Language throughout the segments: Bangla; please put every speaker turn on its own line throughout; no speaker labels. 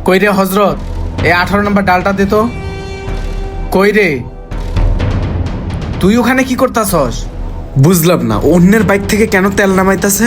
কই রে হজরত, এই 18 নম্বর ডালটা দে তো। কই রে, তুই ওখানে কি করতাছস?
বুঝলাম না, অন্যের বাইক থেকে কেন তেল নামাইতাছে?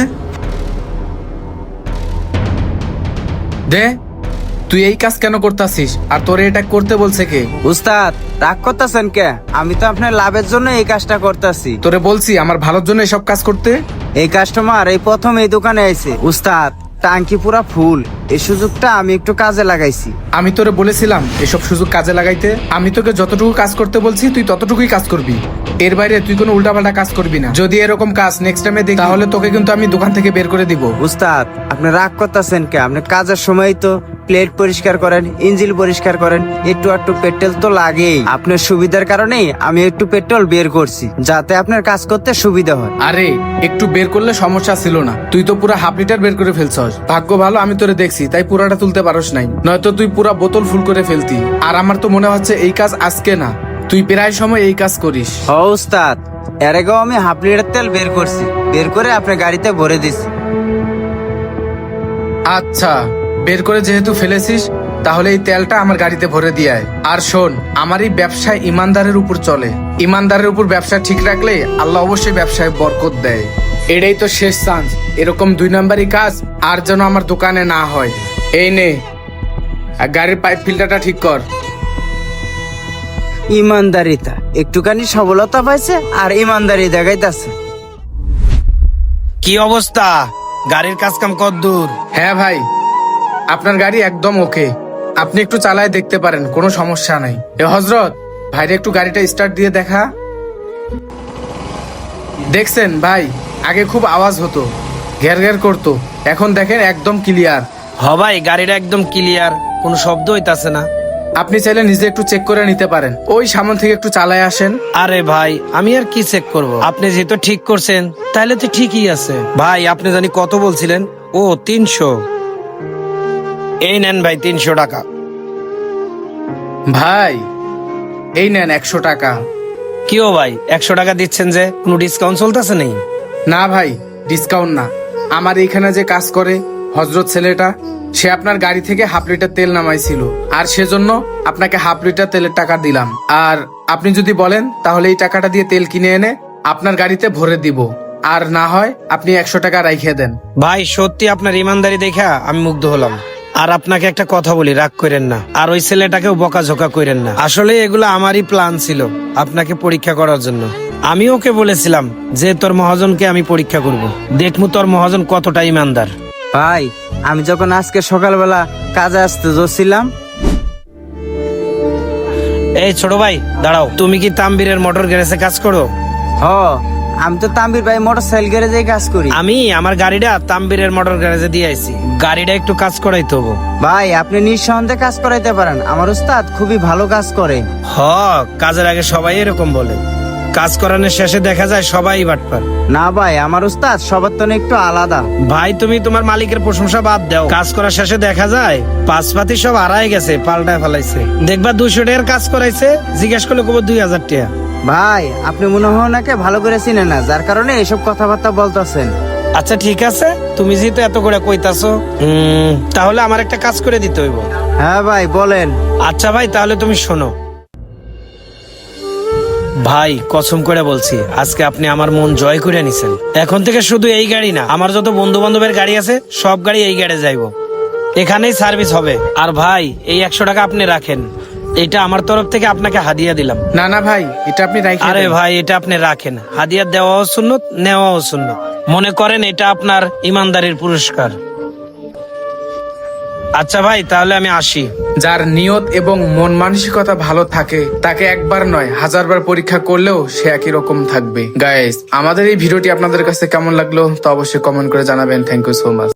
দে, তুই এই কাজ কেন করতাছিস আর তোরে এটা করতে বলছে কে?
উস্তাদ রাগ করতেছেন কে? আমি তো আপনার লাভের জন্য এই কাজটা করতেছি।
তোরে বলছি আমার ভালোর জন্য এসব কাজ করতে।
এই কাস্টমার এই প্রথম এই দোকানে আইছে। উস্তাদ টাঙ্কি পুরা ফুল, এই সুযোগটা আমি একটু কাজে লাগাইছি।
আমি তোরে বলেছিলাম এসব সুযোগ কাজে লাগাইতে। আমি তোকে যতটুকু কাজ করতে বলছি তুই ততটুকুই কাজ করবি, এর বাইরে তুই কোনো উল্টাপাল্টা কাজ করবি না। যদি এরকম কাজ নেক্সট টাইমে দেখি তাহলে তোকে কিন্তু আমি দোকান থেকে বের করে দিব।
উস্তাদ আপনি রাগ করতেছেন কে? আপনি কাজের সময় তো প্লেট পরিষ্কার করেন, ইঞ্জিন পরিষ্কার করেন, একটু একটু পেট্রোল তো লাগেই। আপনার সুবিধার কারণেই আমি একটু পেট্রোল বের করছি, যাতে আপনার কাজ করতে সুবিধা হয়।
আরে একটু বের করলে সমস্যা ছিল না, তুই তো পুরো হাফ লিটার বের করে ফেলছস। ভাগ্য ভালো আমি তোরে দেখছি তাই পুরাটা তুলতে পারস নাই, নয়তো তুই পুরা বোতল ফুল করে ফেলতি। আর আমার তো মনে হচ্ছে এই কাজ আজকে না, তুই প্রায় সময় এই কাজ করিস।
হ উস্তাদ, এর আগেও আমি হাফ লিটার তেল বের করছি, বের করে আপনার গাড়িতে ভরে দিছি।
আচ্ছা, বের করে যেহেতু ফেলেছিস তাহলে এই তেলটা আমার গাড়িতে ভরে দিয়ে আয়। আর শোন, আমার এই ব্যবসায় ইমানদারের উপর চলে, ইমানদারের উপর ব্যবসা ঠিক রাখলে আল্লাহ অবশ্যই ব্যবসায় বরকত দেয়। এটাই তো শেষ চান্স, এরকম 2 নাম্বারই কাজ আর যেন আমার দোকানে না হয়। এই নে, আর গাড়ির পাইপ ফিল্টারটা ঠিক কর।
ইমানদারিতা একটুখানি সবলতা পাইছে আর ইমানদারি দেখাইতেছে।
কি অবস্থা? গাড়ির কাজ কাম কতদূর?
হ্যাঁ ভাই, আপনার গাড়ি একদম ওকে, আপনি একটু চালায় দেখতে পারেন, কোনো সমস্যা নাই। এ হজরত, ভাইরে একটু গাড়িটা স্টার্ট দিয়ে দেখা। দেখছেন ভাই, আগে খুব আওয়াজ হতো, ঘের ঘের করতো, এখন দেখেন একদম ক্লিয়ার।
হ ভাই, গাড়িটা একদম ক্লিয়ার, কোনো শব্দ হইতাছে না।
আপনি চাইলে নিজে একটু চেক করে নিতে পারেন, ওই সামনে থেকে একটু চালায় আসেন।
আরে ভাই, আমি আর কি চেক করব? আপনি যেহেতু ঠিক করছেন তাহলে তো ঠিকই আছে। ভাই আপনি জানি কত বলছিলেন? ও 300। এই নেন ভাই 300 টাকা।
ভাই এই নেন 100 টাকা।
কি ও ভাই, 100 টাকা দিচ্ছেন যে, কোনো ডিসকাউন্ট চলতেছে নেই?
না ভাই, ডিসকাউন্ট না, আমার এইখানে যে কাজ করে হজরত ছেলেটা, সে আপনার গাড়ি থেকে হাফ লিটার তেল নামাইছিল, আর সেজন্য আপনাকে হাফ লিটার তেলের টাকা দিলাম। আর আপনি যদি বলেন তাহলে এই টাকাটা দিয়ে তেল কিনে এনে আপনার গাড়িতে ভরে দিব, আর না হয় আপনি 100 টাকা রাইখে দেন।
ভাই সত্যি আপনার ইমানদারি দেখা আমি মুগ্ধ হলাম। আর আপনাকে একটা কথা বলি, রাগ করেন না, আর ওই ছেলেটাকেও বকাঝোকা করেন না। আসলে এগুলো আমারই প্ল্যান ছিল আপনাকে পরীক্ষা করার জন্য। আমি ওকে বলেছিলাম যে তোর মহাজনকে আমি পরীক্ষা করব, দেখমু তোর মহাজন কতটা ইমানদার।
ভাই আমি যখন আজকে সকালবেলা কাজে আসতে যাচ্ছিলাম।
এই ছোট ভাই দাঁড়াও, তুমি কি তাম্বিরের মোটর গ্যারেজে কাজ করো?
হ, আমি তো তাম্বির ভাই মোটর সাইকেল গ্যারেজে কাজ করি।
আমি আমার গাড়িটা তাম্বিরের মোটর গ্যারেজে দিয়ে আইছি, গাড়িটা একটু কাজ করাইতে হবো।
ভাই আপনি নিঃসন্দেহে কাজ করাইতে পারেন, আমার উস্তাদ খুবই ভালো কাজ করে।
হ, কাজের আগে সবাই এরকম বলে, কাজ করানোর শেষে দেখা যায় সবাই বাটপার।
না ভাই, আমার উস্তাদ সবার তো একটু আলাদা।
ভাই তুমি তোমার মালিকের প্রশংসা বাদ দাও, কাজ করার শেষে দেখা যায় পাঁচপাতি সব হারাই গেছে, পাল্টায় ফেলাইছে। দেখবা 200 টাকার কাজ করাইছে, জিজ্ঞেস করলে কব 2000 টাকা।
ভাই আপনি মনে হয় ওনাকে ভালো করে চিনেন না, যার কারণে এসব কথাবার্তা বলতেছেন।
আচ্ছা ঠিক আছে, তুমি যেহেতু এত করে কইতাছো, তাহলে আমার একটা কাজ করে দিতে হইব।
হ্যাঁ ভাই বলেন।
আচ্ছা ভাই, তাহলে তুমি শোনো। ভাই কসম করে বলছি, আজকে আপনি আমার মন জয় করে নিছেন। এখন থেকে শুধু এই গাড়ি না, আমার যত বন্ধু বান্ধবের গাড়ি আছে সব গাড়ি এই গাড়ি যাইবো, এখানেই সার্ভিস হবে। আর ভাই এই 100 টাকা আপনি রাখেন, এটা আমার তরফ থেকে আপনাকে হাদিয়া দিলাম।
না না ভাই, এটা আপনি রাইখে
আরে
দেন।
ভাই এটা আপনি রাখেন, হাদিয়া দেওয়াও সুন্নত, নেওয়াও সুন্নত। মনে করেন এটা আপনার ইমানদারির পুরস্কার। আচ্ছা ভাই তাহলে আমি আসি।
যার নিয়ত এবং মন মানসিকতা ভালো থাকে তাকে একবার নয় 1000 বার পরীক্ষা করলেও সে একই রকম থাকবে। গাইস, আমাদের এই ভিডিওটি আপনাদের কাছে কেমন লাগলো তা অবশ্যই কমেন্ট করে জানাবেন। Thank you so much.